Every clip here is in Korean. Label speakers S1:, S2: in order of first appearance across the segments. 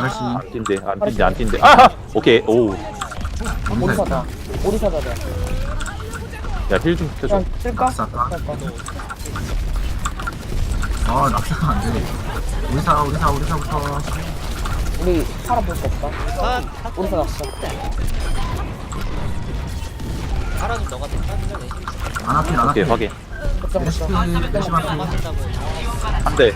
S1: 아저씨.
S2: 안 뛴대 안 뛴대 안 뛴대. 아 오케이 오.
S3: 오리사다. 오리사다.
S2: 야 힐 좀 켜줘.
S3: 그냥 쓸까?
S1: 낙사까?
S3: 쓸까?
S1: 아, 낙사가 안 돼. 우리사부터.
S3: 우리 살아볼 수 없다. 오리사 났어.
S4: 살아도 너가 됐다.
S1: 아나필,
S2: 오케이
S1: 아나필.
S2: 확인.
S3: 걱정
S1: 레시피,
S3: 걱정.
S1: 레시마필.
S2: 한 대.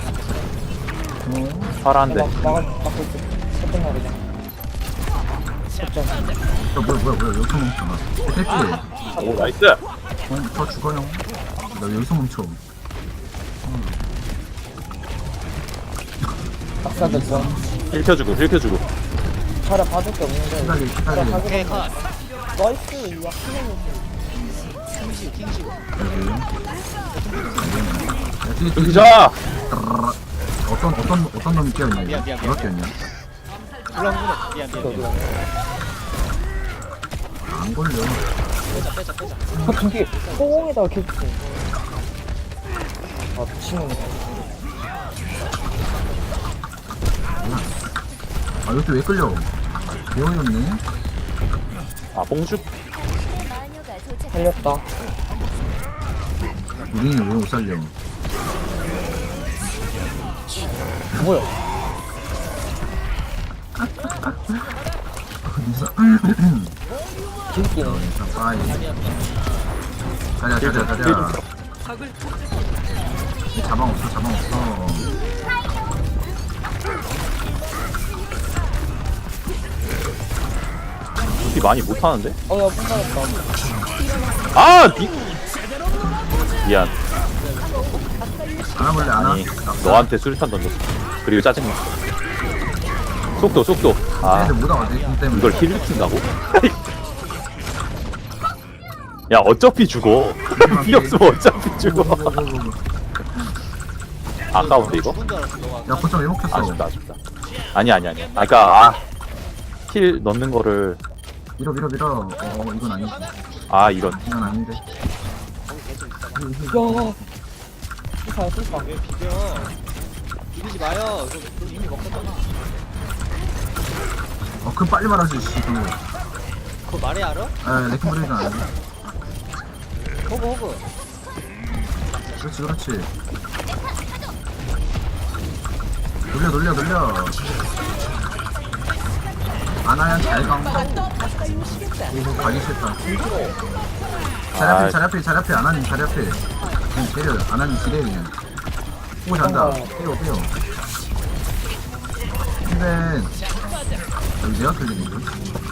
S2: 파라 한 대.
S3: 막고 있어. 걱정 마 그냥. 걱정.
S1: 뭐야, 여기서 멈춰. 대피.
S2: 오 나이스.
S1: 더 죽어요. 나 여기서 멈춰.
S3: 박사됐어.
S2: 힐 켜주고 힐 켜주고.
S3: 차라 봐줄 게 없는데.
S1: 기다리.
S4: 오케이 컷.
S3: 나이스. 이거
S4: 킹시우.
S1: 뒤에.
S2: 여기자.
S1: 어떤 놈이 끼어있냐?
S4: 미안.
S1: 누가 끼어있냐?
S4: 물렁물렁. 미안.
S1: 안 걸려.
S4: 빼자.
S3: 그게 소공에다가 계속. 아 미친놈이다.
S1: 아, 이것도 왜 끌려? 배워였네?
S2: 아 봉죽.
S3: 살렸다.
S1: 우리는 왜 못 살려?
S3: 뭐야?
S1: 어디서?
S3: 길기는.
S1: 일단 빠이. 가자. 자방 없어.
S2: 이 많이 못하는데?
S3: 어야 pun가졌다.
S2: 아 미안.
S1: 안 와볼래, 안 와?
S2: 아니 너한테 수류탄 던졌어. 그리고 짜증나. 속도. 아
S1: 애들 못 와가지고, 공 때문에.
S2: 이걸 힐을 킨다고? 야 어차피 죽어. 필요 없으면 어차피 죽어. 아까운데 이거?
S4: 죽은 줄 알았어 너가.
S1: 야, 거점 왜 먹혔어?
S2: 아쉽다. 아니야. 아까 힐 넣는 거를
S1: 밀어. 이건 아니지.
S2: 이런.
S1: 이건 아닌데.
S4: 거기 계속 있어.
S3: 야. 쓸까.
S4: 왜 비벼? 비비지 마요. 이거 이미 먹었잖아.
S1: 그럼 빨리 말하지, 씨.
S4: 그거 말해 알아?
S1: 레킹 브레이크 안 해.
S4: 호그.
S1: 그렇지. 돌려. 아나야 잘 가. 이거 가기 싫다. 자리 앞에 아나님 자리 앞에. 그냥 때려. 아나님 지뢰 그냥. 오 잔다. 빼요. 근데 여기 내가 틀리는 거.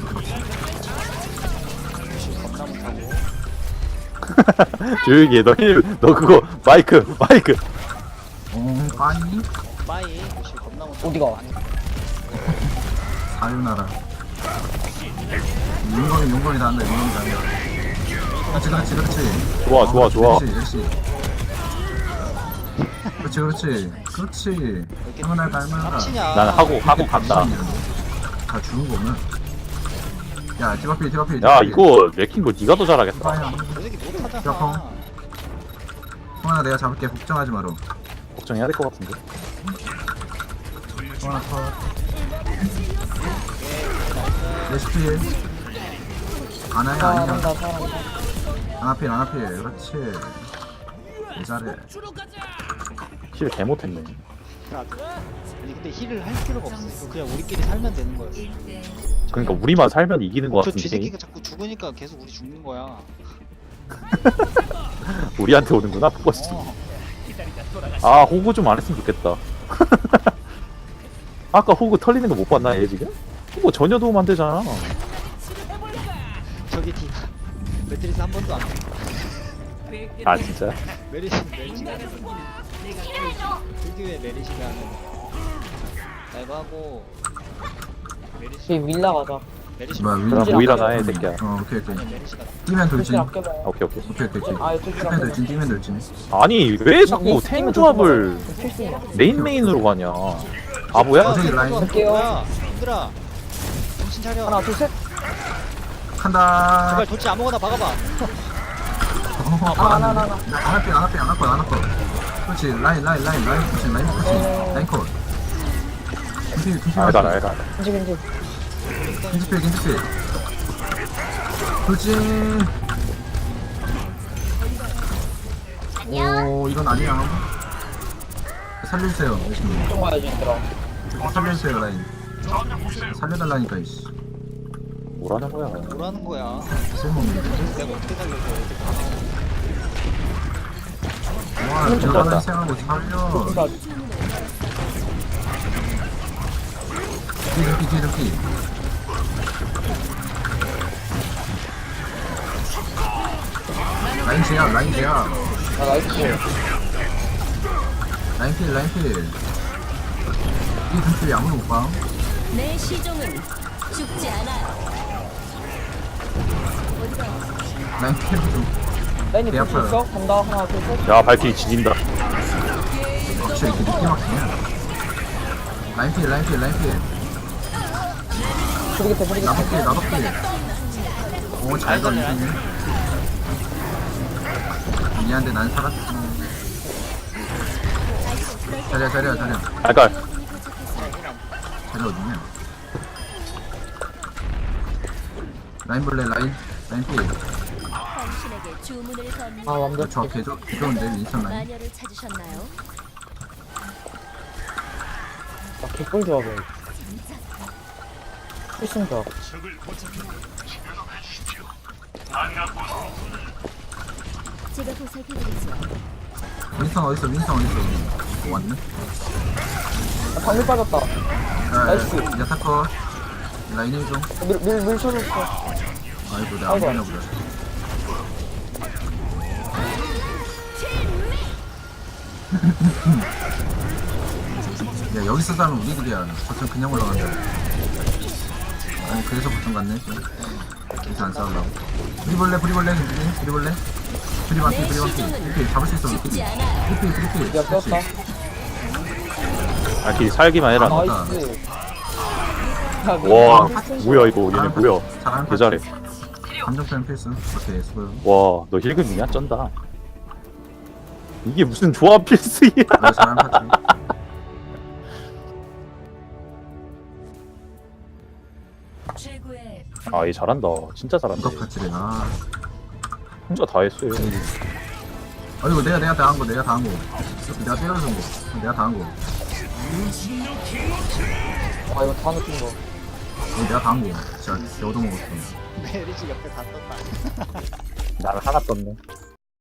S2: 조용히 해. 너 그거 마이크.
S1: 빠이
S4: 빠이. 무시 겁나 못.
S3: 어디가?
S1: 사유나라. 용건이 다 한다. 그렇지.
S2: 좋아.
S1: 그렇지. 할만하다.
S4: 치냐?
S2: 난 하고 간다.
S1: 다 주는 거면. 야, 집 앞에.
S2: 야 이거 레킹 거 네가 더 잘하겠다.
S1: 빠야.
S4: 저 새끼
S1: 야,
S4: 못하잖아.
S1: 성환아, 내가 잡을게. 걱정하지 마라.
S2: 걱정해야 될 것 같은데.
S1: 성환아, 컷. 레시피. 아나야, 아니야.
S3: 잘한다.
S1: 아나필. 그렇지. 잘해.
S2: 힐 개못했네.
S4: 아니 근데 힐을 할 필요가 없어. 이거 그냥 우리끼리 살면 되는 거였어.
S2: 그러니까 우리만 살면 이기는 것
S4: 저
S2: 같은데.
S4: 쥐새끼가 자꾸 죽으니까 계속 우리 죽는 거야.
S2: 우리한테 오는구나 포커스. 호구 좀 안 했으면 좋겠다. 아까 호구 털리는 거 못 봤나 얘 지금? 호구 전혀 도움 안 되잖아.
S4: 저기 뒤 매트리스 한 번도 안 해.
S2: 아 진짜?
S4: 메리시가 특유의 메리시가 이거 하고 메리시
S3: 저기 밀라 가자.
S4: 메리시
S1: 뭐야,
S2: 그럼 모이라나 해 새끼야.
S1: 오케이.
S4: 메리시가
S1: 뛰면 돌진.
S3: 돌진 아껴봐요.
S2: 오케이.
S1: 오케이.
S3: 아 이거
S1: 뛰면 돌진.
S2: 아니 왜 자꾸 탱 조합을
S3: 필수야.
S2: 메인으로 가냐? 바보야?
S1: 어제 라인
S3: 할게요.
S4: 뭐야 힘들어 정신 차려.
S3: 하나 둘 셋.
S1: 간다.
S4: 제발 도치 아무거나 박아봐.
S1: 안 할 거. 그렇지. 라인. 그렇지. 라인 컷. 겐지
S2: 알가
S1: 맞지?
S2: 알가.
S3: 겐지 겐지.
S1: 겐지. 돌진. 오, 이건 아니야. 살려주세요. 열심히.
S3: 좀 가야지 얘들아.
S1: 살려주세요, 라인. 살려달라니까, 이씨.
S2: 뭐라는 거야?
S4: 뭐라는 거야?
S1: 쓸모없는데?
S4: 내가 어떻게 살려줘?
S1: 와,
S2: 좀
S1: 들어가는
S2: 잘한다.
S1: 생각하고 살려.
S3: 그러니까
S1: 뒤. 라인 제야.
S3: 나 나이스.
S1: 라인 필. 이 등필 아무도 못 봐.
S5: 내 시종은 죽지 않아요.
S1: 라인 필 좀.
S3: 라인이
S1: 개
S3: 볼수
S1: 아파요.
S3: 있어? 간다. 하나 둘 셋.
S2: 야 발키리 지진다.
S1: 진짜 이렇게 늦게 막히냐? 라인 필.
S3: 브리기테.
S1: 나도 필. 오, 잘 걸리네. 미안한데 난 살았지. 자리야.
S2: 알갈.
S1: 자리 어딨냐? 라인 필.
S5: 당신에게 주문을 건
S3: 아 완벽해.
S1: 저 개좋은데, 윈선 라인.
S5: 마녀를 찾으셨나요?
S3: 나 개꿀 조합이야. 필승 조합.
S5: 제가 보살펴드리죠.
S1: 윈선 어딨어? 왔네?
S3: 아, 방울 빠졌다. 나이스.
S1: 야타커. 라인 1종.
S3: 밀 쳐줬어.
S1: 아이고, 내가 안
S3: 아이고.
S1: 보냐, 보다. 야, 여기서 싸면 우리들이야. 거점 그냥 올라간다. 아니, 그래서 거점 갔네. 여기서 안 싸우려고. 브리볼레, 브리볼레. 브리반피. 이렇게 잡을 수 있어,
S5: 죽지
S1: 우리끼리.
S5: 않아요.
S1: 브리필.
S3: 야 떴다.
S2: 발키리 살기만 해라.
S1: 아,
S3: 나이스.
S2: 와 뭐야 이거 얘네 뭐야?
S1: 잘하는
S2: 개 잘해.
S1: 감정 표현 필수. 오케이, 수고요.
S2: 와 너 힐금이냐? 쩐다. 이게 무슨 조합 필수야?
S1: 너 잘하는 파티.
S5: 최고의
S2: 아 얘 잘한다. 진짜 잘한다.
S1: 이거 파티래. 아,
S2: 혼자 다 했어요.
S1: 이거 내가 다 한 거. 내가 때려준 거. 내가 다 한 거.
S3: 아 이거 다 느낀 거.
S1: 이거 내가 다 한 거. 진짜 얻어먹었어.
S4: 메리지 옆에 다 떴다.
S2: 나는 하나 떴네.